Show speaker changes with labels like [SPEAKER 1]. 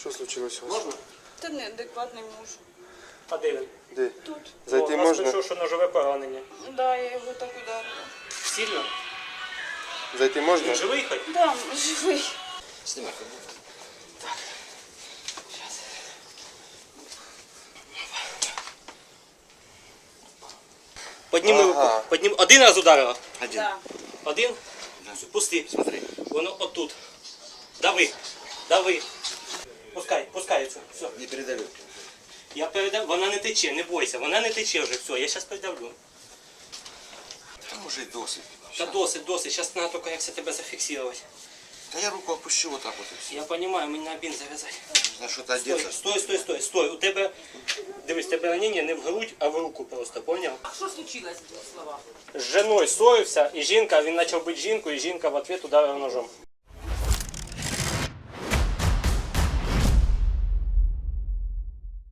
[SPEAKER 1] Що случилось у вас?
[SPEAKER 2] Можна?
[SPEAKER 3] Та неадекватний муж.
[SPEAKER 2] А де він?
[SPEAKER 1] Де?
[SPEAKER 3] Тут.
[SPEAKER 1] Зайти
[SPEAKER 2] У нас
[SPEAKER 1] можна?
[SPEAKER 2] пішов, що ножове поранення.
[SPEAKER 3] Да, я його так ударила.
[SPEAKER 2] Сильно?
[SPEAKER 1] Зайти можна?
[SPEAKER 2] Він живий хоч?
[SPEAKER 3] Да, живий.
[SPEAKER 2] Знімай. Подніми
[SPEAKER 1] Ага.
[SPEAKER 2] руку. Поднім... Один раз ударила?
[SPEAKER 3] Да.
[SPEAKER 2] Один? Пусти. Смотри. Воно отут. Дави. Дави. Пускай, пускається. Все.
[SPEAKER 4] Не передавлю.
[SPEAKER 2] Я передав. Вона не тече, не бойся. Вона не тече вже. Все, я зараз передавлю.
[SPEAKER 4] Там уже й досить.
[SPEAKER 2] Та досить, досить. Зараз треба тільки як це тебе зафіксувати.
[SPEAKER 4] Да я руку опущу вот так вот и все.
[SPEAKER 2] Я розумію, мені на бінт зав'язати.
[SPEAKER 4] Нужно что-то
[SPEAKER 2] Стой,
[SPEAKER 4] одеться.
[SPEAKER 2] стой, стой, стой, стой. У тебе, дивись, тебе ранення не в грудь, а в руку просто, поняв?
[SPEAKER 5] А що случилось в двох словах?
[SPEAKER 2] З жіною ссорився, і жінка, він почав бити жінку, і жінка в ответ ударила ножом.